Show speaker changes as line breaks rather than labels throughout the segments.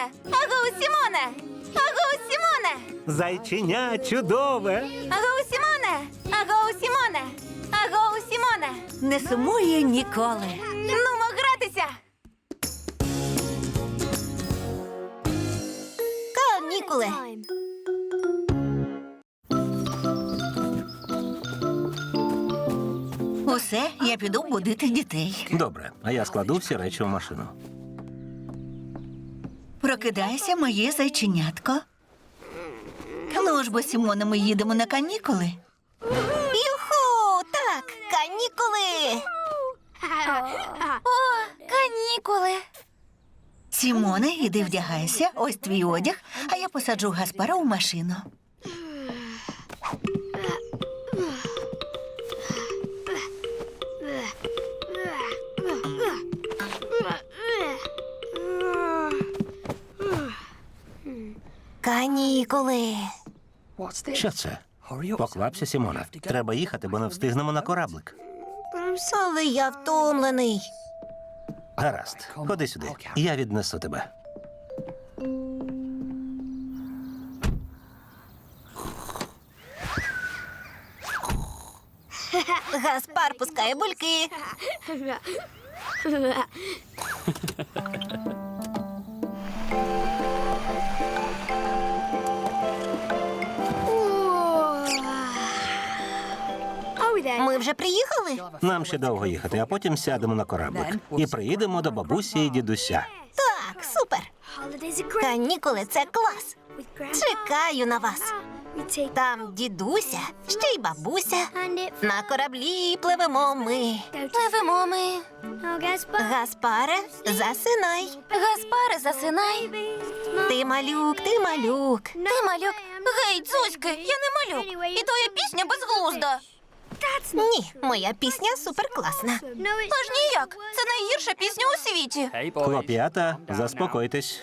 Сімоне! Агоу, Сімоне! Агоу, Сімоне!
Зайченя чудове.
Агоу, Сімоне! Агоу, Сімоне! Агоу, Сімоне!
Не сумує ніколи.
Нумо гратися!
Канікули. Усе, я піду будити дітей.
Добре, а я складу всі речі в машину.
Прокидайся, моє зайченятко. Ну ж бо, Сімоне, ми їдемо на канікули. Юху! Так, канікули!
О, канікули!
Сімоне, іди вдягайся, ось твій одяг, а я посаджу Гаспара у машину. Канікули.
Що це? Поквапся, Сімоне. Треба їхати, бо не встигнемо на кораблик.
Але я втомлений.
Гаразд, ходи сюди. Я віднесу тебе.
Гаспар пускає бульки. Ми вже приїхали?
Нам ще довго їхати, а потім сядемо на кораблик. І приїдемо до бабусі і дідуся.
Так, супер. Канікули – це клас. Чекаю на вас. Там дідуся, ще й бабуся. На кораблі пливемо ми.
Пливемо ми.
Гаспаре, засинай.
Гаспаре, засинай.
Ти малюк, ти малюк.
Ти малюк. Гей, Дзузьки, я не малюк. І твоя пісня безглузда.
Ні, моя пісня суперкласна.
Аж ніяк. Це найгірша пісня у світі.
Хлоп'ята, заспокойтесь.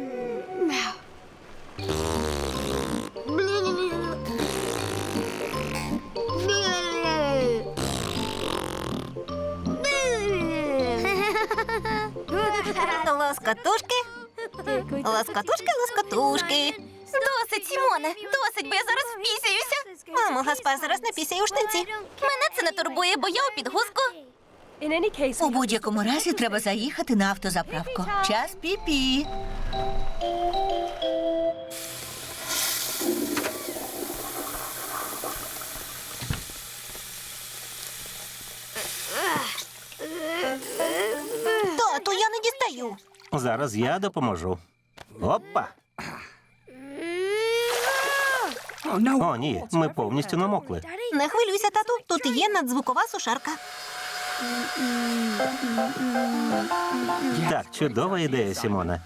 Лоскотушки. Лоскотушки, лоскотушки.
Досить, Сімоне, досить, бо я зараз впісяюся.
Мамо, Гаспар зараз напісяє у штанці.
Мене це не турбує, бо я у підгузку.
У будь-якому разі треба заїхати на автозаправку. Час пі-пі. Тату, я не дістаю.
Зараз я допоможу. Опа! О, ні, ми повністю намокли.
Не хвилюйся, тату, тут є надзвукова сушарка.
Так, чудова ідея, Сімоне.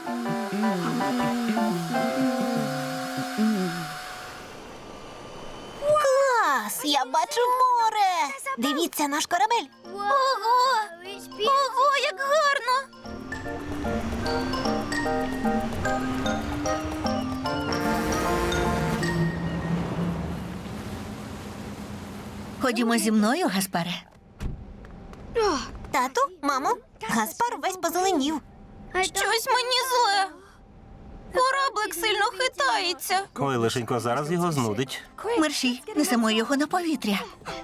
Клас! Я бачу море! Дивіться, наш корабель.
Ого! Ого, як гарно!
Ходімо зі мною, Гаспаре. Тату, мамо, Гаспар весь позеленів.
Щось мені зле. Кораблик сильно хитається.
Ой, лишенько, зараз його знудить.
Мерші, несемо його на повітря.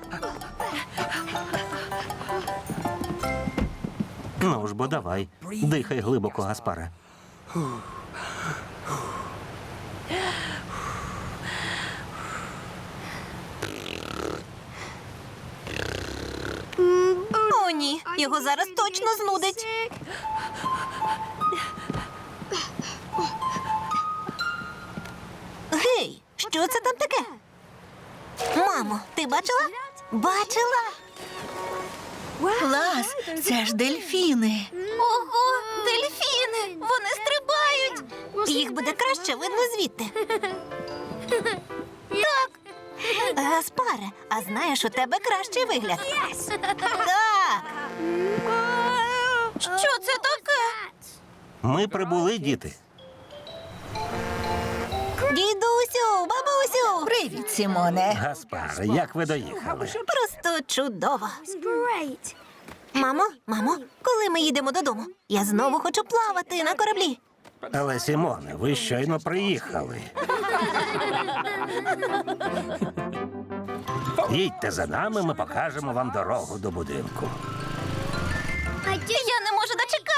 Ну ж бо давай. Дихай глибоко, Гаспаре.
О, ні, його зараз точно знудить. Гей, що це там таке? Мамо, ти бачила? Бачила? Клас, це ж дельфіни.
Ого, дельфіни! Вони стрибають!
Їх буде краще видно звідти.
Так,
Гаспаре, а знаєш, у тебе кращий вигляд. Так.
що це таке?
Ми прибули, діти.
Дідусю, бабусю. Привіт, Сімоне.
Гаспаре, як ви доїхали?
Просто чудово. Мамо, коли ми їдемо додому? Я знову хочу плавати на кораблі.
Але, Сімоне, ви щойно приїхали. Їдьте за нами, ми покажемо вам дорогу до будинку.
Я не можу дочекатися.